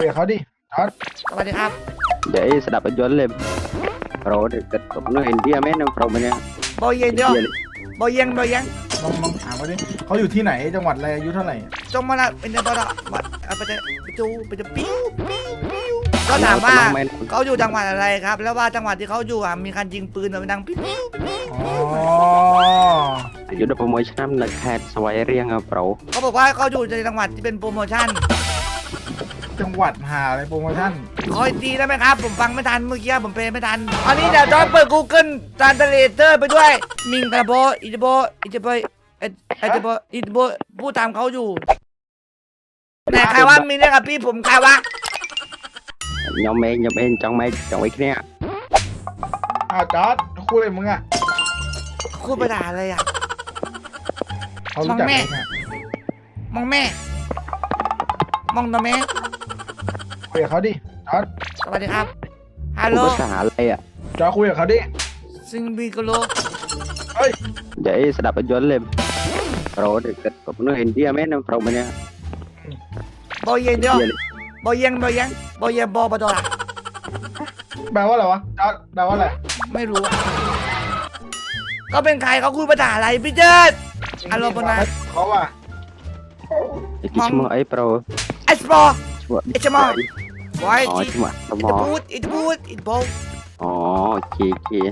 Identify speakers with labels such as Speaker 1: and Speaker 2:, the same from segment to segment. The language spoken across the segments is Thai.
Speaker 1: คุยกับเขาดิจอร์ด
Speaker 2: สวัสดีครับ
Speaker 3: Vậy sẽ đập ở dưới lên Rồi thì kết cục nó hình kia mấy năm rồi mà nha
Speaker 2: บอยเย็นเดียวบอยเย็นบอยเย็น
Speaker 1: ลองถามเขาดิเขาอยู่ที่ไหนจังหวัดอะไรอายุเท่าไหร่
Speaker 2: จงมาละเป็นบอลวัดไปจะไปจูไปจะปิ้วก็ถามว่าเขาอยู่จังหวัดอะไรครับ แล้วว่าจังหวัดที่เขาอยู่มีการยิงปืนแบบดังปิ้ว
Speaker 1: อ๋อ
Speaker 3: อยู่đó mỗi năm là hạt xoay riêng ở bro
Speaker 2: เขาบอกว่าเขาอยู่ในจังหวัดที่เป็นโปรโมชั่น
Speaker 1: จังหวัดหาอะไรโปรโมชั่น
Speaker 2: คอยตีได้ไหมครับผมฟังไม่ทันเมื่อกี้ผมเพลไม่ทันอันนี้เดี๋ยวจอยเปิด Google Translator ไปด้วยมิงตะโบอิตาโบอิตาโบอิตาโบอิตาโบพูดตามเขาอยู่แต่ใครว่ามีเรื่องกับพี่ผมใครวะ
Speaker 3: Nhóm em trong mấy kia
Speaker 1: อ้าวจอร์ดคุยอะไรมึงอ่ะ
Speaker 2: พูดไปด่าอะไรอ่ะ
Speaker 1: เขารู้จักไหมเนี่ย
Speaker 2: มองแม่ มองตัวแม่
Speaker 1: คุยกับเขาดิจอร์ด
Speaker 2: สวัสดีครับ ฮัลโหล
Speaker 3: Không có xả lại ạ
Speaker 1: จอร์ดคุยกับเขาดิ
Speaker 2: ซิงบีโกโล
Speaker 1: เฮ้ย
Speaker 3: Vậy sẽ đập ở dưới lên Rồi thì kết cục nó hình kia mấy năm rồi mà nha
Speaker 2: บอยเย็นเดียวบอยเย็นบอยเย็นบอยเย็นบอบอดอละ
Speaker 1: แปลว่าอะไรวะจอร์ดแปลว่าอะไร
Speaker 2: ไม่รู้อะก็เป็นใครเขาคุยภาษาอะไรพี่เจิด อารมณ์ประมาณ
Speaker 1: เขาว่า
Speaker 3: Thì cái chú ấy bro
Speaker 2: ไอสปอร์
Speaker 3: Chú ấy
Speaker 2: ไอชมอไว้
Speaker 3: Ồ
Speaker 2: จี
Speaker 3: chú ạ
Speaker 2: อิตาบูดอิตาบูดอิตาบูด
Speaker 3: Ồ kìa kìa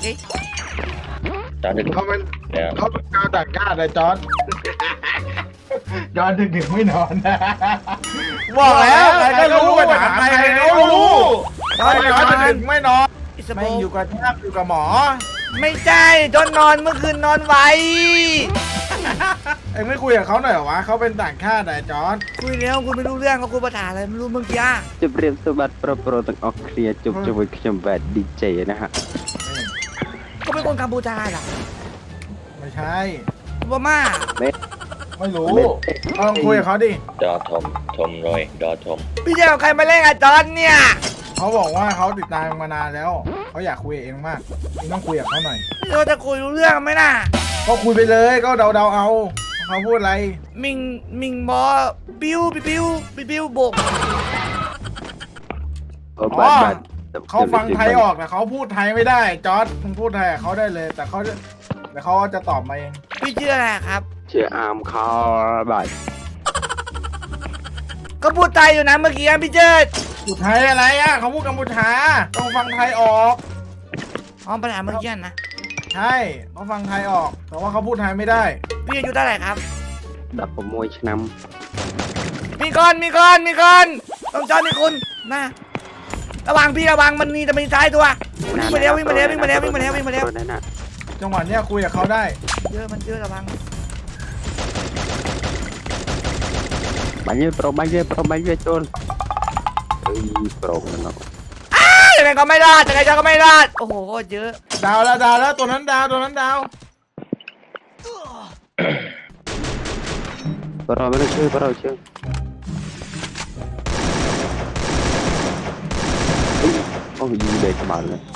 Speaker 1: เขาเป็นเขาเป็นชาวต่างชาติเลยจอร์ดจอร์ดดึกๆไม่นอน
Speaker 2: บอกแล้ว
Speaker 1: ใครก็รู้ภาษาไทยใครก็รู้จอร์ดจะดึกไม่นอน
Speaker 2: อิส
Speaker 1: ไม่
Speaker 2: บู
Speaker 1: อยู่กับแทบอยู่กับหมอ
Speaker 2: ไม่ใช่จนนอนเมื่อคืนนอนไว
Speaker 1: เอ็งไม่คุยกับเขาหน่อยเหรอวะเขาเป็นต่างชาติแต่จอร์ด
Speaker 2: คุยแล้วคุณไม่รู้เรื่องเขาคุยภาษาอะไรไม่รู้เมื่อกี้
Speaker 3: Chụp riêng số bát pro tầng ọc kia chụp cho với cái chùm vẹt DJ nè hả
Speaker 2: ก็เป็นคนกัมพูชาเหรอ
Speaker 1: ไม่ใช่
Speaker 2: บาม่า
Speaker 1: ไม่รู้ลองคุยกับเขาดิ
Speaker 4: ดอทมrồi đo thom
Speaker 2: พี่เจ้าใครมาเล่นกับจอนเนี่ย
Speaker 1: เขาบอกว่าเขาติดตามมานานแล้วเขาอยากคุยกับเองมากเองต้องคุยกับเขาหน่อย
Speaker 2: พี่เราจะคุยรู้เรื่องไหมน่ะ
Speaker 1: ก็คุยไปเลยก็เดาเอาเขาพูดอะไร
Speaker 2: มิงบอบิวโบก
Speaker 3: Ồ bát bát
Speaker 1: เขาฟังไทยออกแต่เขาพูดไทยไม่ได้จอร์ดมึงพูดไทยกับเขาได้เลย แต่เขาจะตอบมาเอง
Speaker 2: พี่ชื่ออะไรครับ
Speaker 3: Chị am kho bát
Speaker 2: ก็พูดไทยอยู่นะเมื่อกี้พี่เจิด
Speaker 1: พูดไทยอะไรอ่ะเขาพูดกัมพูชาต้องฟังไทยออก
Speaker 2: อ๋อปัญหาเมื่อกี้นะ
Speaker 1: ใช่เขาฟังไทยออก แต่ว่าเขาพูดไทยไม่ได้
Speaker 2: พี่อายุเท่าไหร่ครับ
Speaker 3: Đập vào môi cho năm
Speaker 2: มีคนต้องจอนมีคุณนะระวังพี่ระวังมันมีจะมีซ้ายตัววิ่งมาแล้ว
Speaker 3: Rồi đấy nè
Speaker 1: จังหวะเนี้ยคุยกับเขาได้
Speaker 2: เยอะมันเยอะระวัง
Speaker 3: Bánh với trôn Ui pro nó
Speaker 2: ยังไงก็ไม่รอดโอ้โหเยอะ
Speaker 1: ดาวแล้วตัวนั้นดาว
Speaker 3: Pro mới chơi pro chơi Có gì để cho bạn này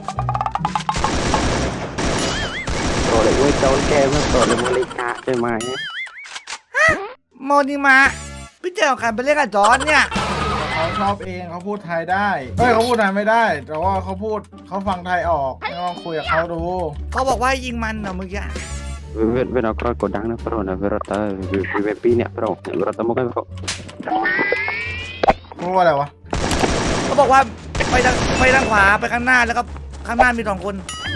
Speaker 3: Pro lại quay trốn kem Pro lại mua lấy cá chơi mai nhé
Speaker 2: โมนิมะพี่เจ้าใครไปเล่นกับจอนเนี่ย
Speaker 1: เขาชอบเองเขาพูดไทยได้เขาพูดไทยไม่ได้ แต่ว่าเขาฟังไทยออกลองคุยกับเขาดู
Speaker 2: เขาบอกว่ายิงมันเหรอเมื่อกี้
Speaker 3: Về nó coi cổ đắng nó pro nó về rota về pi nè pro về rota một cái pro
Speaker 1: พูดว่าอะไรวะ
Speaker 2: เขาบอกว่าไปทางขวาไปข้างหน้าแล้วก็ข้างหน้ามี2 คน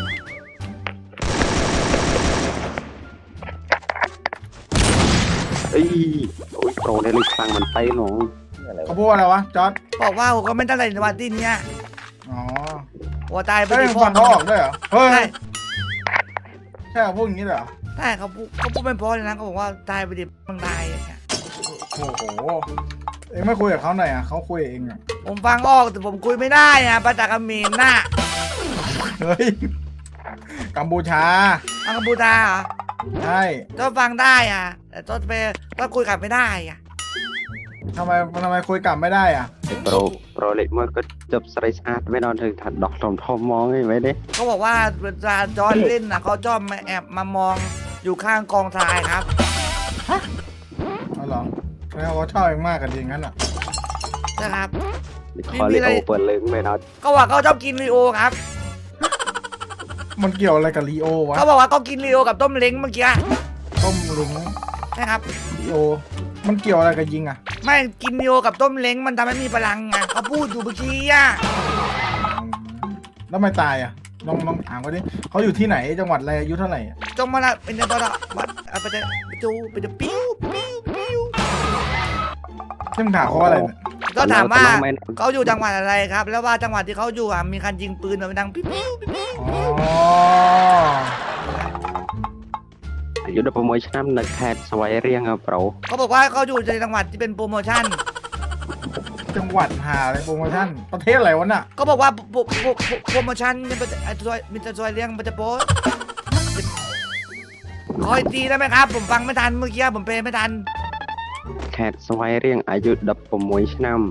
Speaker 3: Ê ôi pro này lên sang bàn tay nó
Speaker 1: เขาพูดว่าอะไรวะจอร์ด
Speaker 2: บอกว่าผมก็ไม่ตั้งใจในวันที่นี้
Speaker 1: อ๋อ
Speaker 2: หัวตายไป
Speaker 1: ไม่
Speaker 2: ที่
Speaker 1: ฟังเขาออกด้วยเหรอเฮ้ย
Speaker 2: ใช่
Speaker 1: ใช่เขาพูดอย่างนี้เหรอ
Speaker 2: ใช่เขาพูดไม่พอเลยนะเขาบอกว่าตายไปดิมึงตายอย่างเงี้ย
Speaker 1: โอ้โหเองไม่คุยกับเขาหน่อยอ่ะเขาคุยเองอ่ะ
Speaker 2: ผมฟังออกแต่ผมคุยไม่ได้อะภาษาเขมรน่ะ
Speaker 1: เฮ้ยกัมพูชา
Speaker 2: อังกฤษเหรอ
Speaker 1: ใช่
Speaker 2: ก็ฟังได้อะแต่ก็คุยกลับไม่ได้อะ
Speaker 1: ทำไมคุยกลับไม่ได้อ่ะ
Speaker 3: pro lại mới có chụp sợi sát với nó thì thật đọc lòng thom mong ấy mấy đấy
Speaker 2: เขาบอกว่าเวลาจอนเล่นนะเขาชอบมาแอบมามองอยู่ข้างกองทรายครับ
Speaker 1: เอาเหรอแล้วเขาชอบเองมากกันจริงงั้นอ่ะ
Speaker 2: นะครับ
Speaker 3: ขอเลยโอเปิดเลิงไปเนาะ
Speaker 2: ก็ว่าเขาชอบกินลีโอครับ
Speaker 1: มันเกี่ยวอะไรกับลีโอวะ
Speaker 2: เขาบอกว่าเขากินลีโอกับต้มเล้งเมื่อกี้
Speaker 1: ต้มลุง
Speaker 2: นะครับ
Speaker 1: ลีโอ มันเกี่ยวอะไรกับยิงอ่ะ
Speaker 2: ไม่กินลีโอกับต้มเล้งมันทำให้มีพลังไงเขาพูดอยู่เมื่อกี้อ่ะ
Speaker 1: แล้วไม่ตายอ่ะลองถามเขาดิเขาอยู่ที่ไหนจังหวัดอะไรอายุเท่าไหร่อะ
Speaker 2: จงมาละเป็นตัวละวัดไปจะไปจูไปจะปิ้วปิ้วปิ้ว
Speaker 1: ที่มึงถามเขาว่าอะไรเนี่ย
Speaker 2: ก็ถามว่าเขาอยู่จังหวัดอะไรครับ แล้วว่าจังหวัดที่เขาอยู่อ่ะมีการยิงปืนแบบดังปิ้วปิ้วปิ้ว
Speaker 1: อ๋อ
Speaker 3: อยู่ในโปรโมชั่นในแคดสวายเรียงครับเรา
Speaker 2: เขาบอกว่าเขาอยู่ในจังหวัดที่เป็นโปรโมชั่น
Speaker 1: จังหวัดหาอะไรโปรโมชั่นประเทศอะไรวะน่ะ
Speaker 2: ก็บอกว่าโปรโมชั่นเนี่ยมันจะซอยเลี้ยงมันจะโป๊ขออีกทีได้ไหมครับ ผมฟังไม่ทันเมื่อกี้ผมเพลงไม่ทัน
Speaker 3: แคดสวายเรียงอายุดับโปรโมชั่น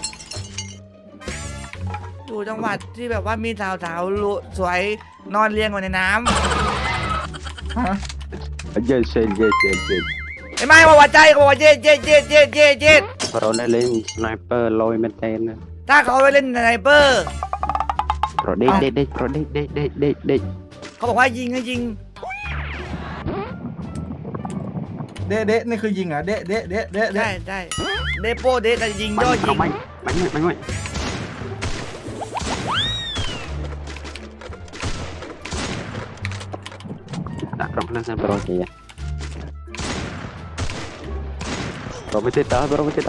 Speaker 2: อยู่จังหวัดที่แบบว่ามีสาวๆสวยนอนเรียงอยู่ในน้
Speaker 1: ฮะ
Speaker 3: เย็ดเย็ดเย็ดเย็ดเย็ด
Speaker 2: ำไอ้ไม่มาว่าใจเขาบอกว่าเย็ดเย็ดเย็ดเย็ดเย็ดเย็ด
Speaker 3: เราได้เล่นสไนเปอร์ลอยเมนเทนนะ
Speaker 2: ถ้าเขาไปเล่นสไนเปอร์
Speaker 3: เราเด็กเด็กเด็กเราเด็กเด็กเด็กเด็กเด็ก
Speaker 2: เขาบอกว่ายิงให้ยิง
Speaker 1: เดะนี่คือยิงเหรอ่ะเดะ
Speaker 2: ได้ได้เดโปเดแต่ยิงย่อยิง
Speaker 3: ไม่tak pernah saya berarti ya. Bro mesti tahu.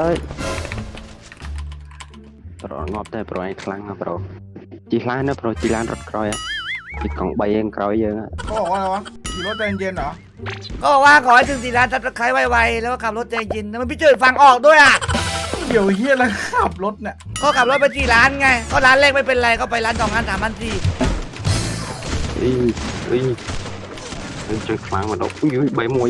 Speaker 3: Bro ngop teh bro ai khlang bro. Chi khlangนะ bro จีลานรถครอยอ่ะอีกกล่องใบเองครอยเยอะอ่ะ
Speaker 1: เขาบอกว่าอะไรวะขี่รถใจเย็นๆเหรอ
Speaker 2: ก็บอกว่าขอให้ถึง4 ล้านซับสไครต์ไวๆแล้วก็ขับรถใจเย็นแล้วมันพี่เจิดฟังออกด้วยอ่ะ
Speaker 1: เกี่ยวเฮียอะไรขับรถเนี่ย
Speaker 2: ก็ขับรถไป4 ล้านไงก็ร้านแรกไม่เป็นไรก็ไปร้าน2 ล้าน3 ล้าน4
Speaker 3: อีจังขlang mà đâu ui bảy mùi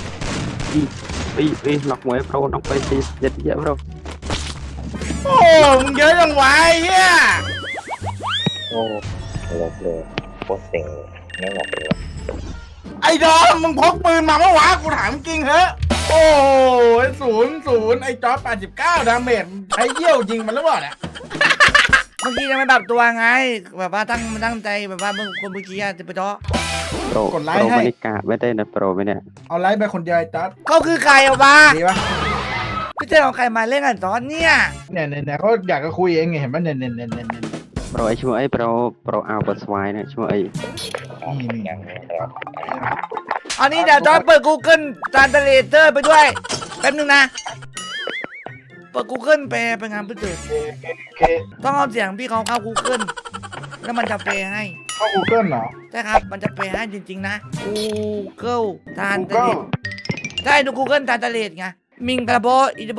Speaker 3: ý lọc mùi bro nó phải thì dịch vậy bro
Speaker 1: โอ้มึงเยอะจังวะไอ้เฮีย
Speaker 4: โอ้หลบเลยโคตรเซ็งไม่หลบเลย
Speaker 1: ไอ้ดอมมึงพกปืนมาเมื่อวานกูถามจริงเหรอะโอ้ย0ไอ้จอร์จ89ดาเมจใช้เยี่ยวยิงมันหรือเปล่าเนี่ย
Speaker 2: เมื่อกี้ยังไม่ปรับตัวไงแบบว่าตั้งใจแบบว่าเมื่อกี้จะไปเจาะ
Speaker 3: bro broไม่ได้กาไม่ได้นะ bro ไม่เนี่ย
Speaker 1: เอาไลฟ์ไปคนเดียวไอ้จอร์จ
Speaker 2: เขาคือใครเอาบ้า
Speaker 1: ดีปะ
Speaker 2: พี่เจิดเอาใครมาเล่นกันตอนเนี่ย
Speaker 1: เนี่ยเขาอยากจะคุยเองไงเห็นปะเนี่ย
Speaker 3: bro ไอ้ชั่วไอ้ bro เอาบทสวายเนี่ยชั่วไอ้
Speaker 4: ยังครับ
Speaker 2: อันนี้เดี๋ยวจอยเปิด Google Translator ไปด้วยแป๊บนึงนะเปิด Google แปลเป็นงานพี่เจิด
Speaker 1: โอเค
Speaker 2: ต้องเอาเสียงพี่เขาเข้า Google แล้วมันจะแปลให้
Speaker 1: เข้า Google เหรอ
Speaker 2: ใช่ครับ มันจะแปลให้จริงๆนะ Google Translate
Speaker 1: Google
Speaker 2: ใช่ดู Google Translate ไงมิงกระโบอิจโบ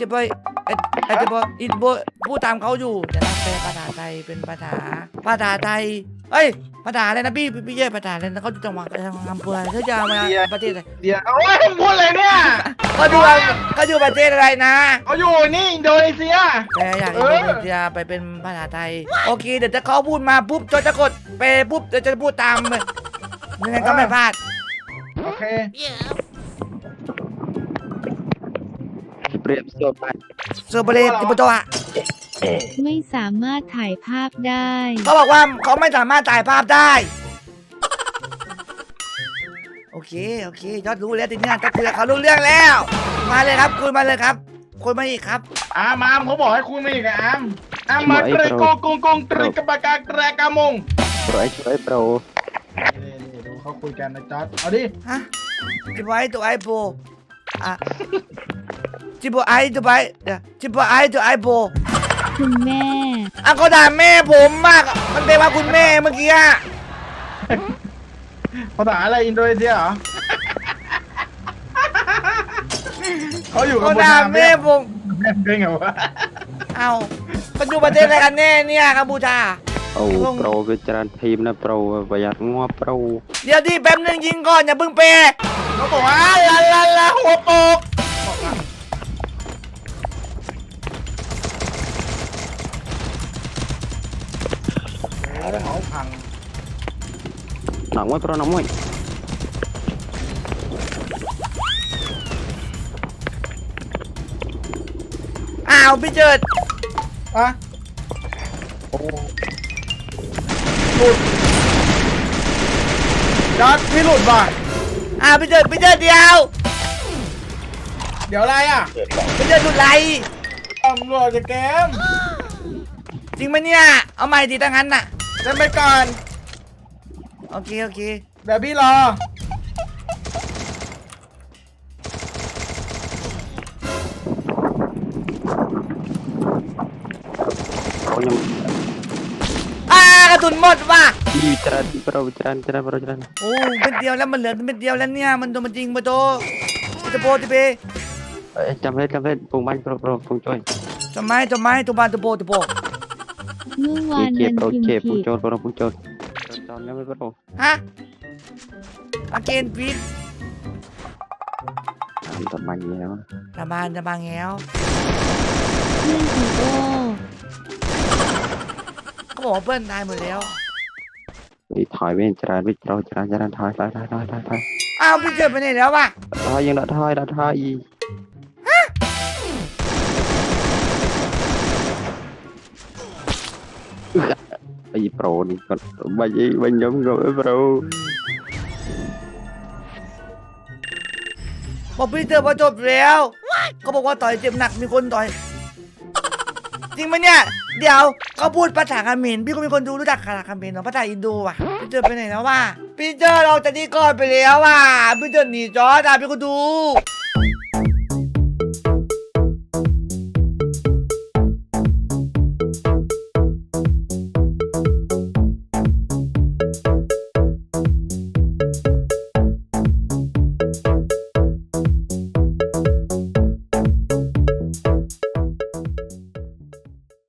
Speaker 2: พูดตามเขาอยู่เดี๋ยวนะแปลภาษาไทยเป็นภาษาไทยเอ้ยภาษาอะไรนะพี่เย่ภาษาอะไรนะเขาอยู่จังหวัดอำเภออะไรเขาจะมาประเทศอะไร
Speaker 1: เดี๋ยวโอ้ยมึงพูดอะไรเนี่ย
Speaker 2: เขาอยู่ประเทศอะไรนะ
Speaker 1: เขาอยู่นี่อินโดนีเซีย
Speaker 2: แปลอย่างอินโดนีเซียไปเป็นภาษาไทยโอเคเดี๋ยวถ้าเขาพูดมาปุ๊บจอยจะกดแปลปุ๊บเดี๋ยวจะพูดตามเลยยังไงก็ไม่พลาด
Speaker 1: โอเค
Speaker 3: ที่เปรียบโซนไป
Speaker 2: โซเบเลติปโตะ
Speaker 5: ไม่สามารถถ่ายภาพได้
Speaker 2: เขาบอกว่าเขาไม่สามารถถ่ายภาพได้ โอเคยอดรู้แล้วทีนี้จะคุยกับเขารู้เรื่องแล้ว มาเลยครับคุยมาเลยครับคุยมาอีกครับ
Speaker 1: อามเขาบอกให้คุณมาอีกอะอามมาเกรโกกงตริกบากาเกรกามง
Speaker 3: bro ไอ้ชั่วไอ้ bro
Speaker 1: นี่ดูเขาคุยกันนะจอร์ดเอาดิ
Speaker 2: ฮะจิบไอตัวไอโบอ่ะจิบไอตัวไอจิบไอตัวไอโบ
Speaker 5: คุณแม่
Speaker 2: อ่ะเขาด่าแม่ผมมากมันเป็นว่าคุณแม่เมื่อกี้อะ
Speaker 1: ภาษาอะไรอินโดนีเซียเหรอเขาอยู่กับ
Speaker 2: เขา
Speaker 1: บน
Speaker 2: ด่า
Speaker 1: น้ำ
Speaker 2: แม่ผม
Speaker 1: แม่เป็นไงวะ
Speaker 2: เอามันอยู่ประเทศอะไรกันแน่เนี่ยกัมพูชา
Speaker 3: โอ้ bro วิจารณ์ทีมนะ bro ประหยัดงัว bro
Speaker 2: เดี๋ยวที่แป๊บนึงยิงก่อนอย่าเพิ่งเปย์
Speaker 1: เขาบอกว่าลาหัวโปกเขาพัง
Speaker 3: หนักมั้ย bro หนักมั้ย
Speaker 2: อ้าวพี่เจิด
Speaker 1: ฮะหลุดจอร์ดพี่หลุดว่ะ
Speaker 2: พี่เจิดเดียว
Speaker 1: เดี๋ยวอะไรอ่ะ
Speaker 4: เกิดก่อน
Speaker 2: พี่เจิดหลุดไร
Speaker 1: ตำรวจจะเกม
Speaker 2: จริงไหมเนี่ยเอาใหม่ดิถ้างั้นน่ะ
Speaker 1: เล่นไปก่อน
Speaker 2: โอเค
Speaker 1: เดี๋ยวพี่รอ
Speaker 3: Bro nhưng
Speaker 2: กระสุนหมดว่ะ
Speaker 3: đi jalan bro jalan
Speaker 2: โอ้เม็ดเดียวแล้วมันเหลือเม็ดเดียวแล้วเนี่ยมันโดนมันจริงมาโตอิตาโบติเป
Speaker 3: chăm hết vùng banh bro vùng chơi
Speaker 2: จำไม้ตัวบานตัวโบ
Speaker 5: เมื่อวานมันพิมพ์
Speaker 3: chè
Speaker 5: ผิ
Speaker 3: vùng
Speaker 5: ด
Speaker 3: chơi bro vùng chơi chọn nhau với bro
Speaker 2: ฮะอาเกนพีท
Speaker 3: tập mạnh gì đó
Speaker 2: ตะบานแง้ว
Speaker 5: เพื่อนอีโอ
Speaker 2: เขาบอกว่าเพื่อนตายหมดแล้ว
Speaker 3: đi thỏi bên jalan thỏi
Speaker 2: อ้าวพี่เจิดไปไหนแล้ววะ
Speaker 3: thỏi nhưng đã thỏi gì gì bro đi còn banh giống rồi bro
Speaker 2: บอกพี่เจิดว่าจบแล้วเขาบอกว่าต่อยเจ็บหนักมีคนต่อยจริงไหมเนี่ยเดี๋ยวเขาพูดภาษาเขมรพี่ก็มีคนดูรู้จักภาษาเขมรเหรอภาษาอินโดว่ะพี่เจิดไปไหนแล้ววะพี่เจิดเราจะนี่ก่อนไปแล้วว่ะพี่เจิดหนีจอร์ดพี่ก็ดู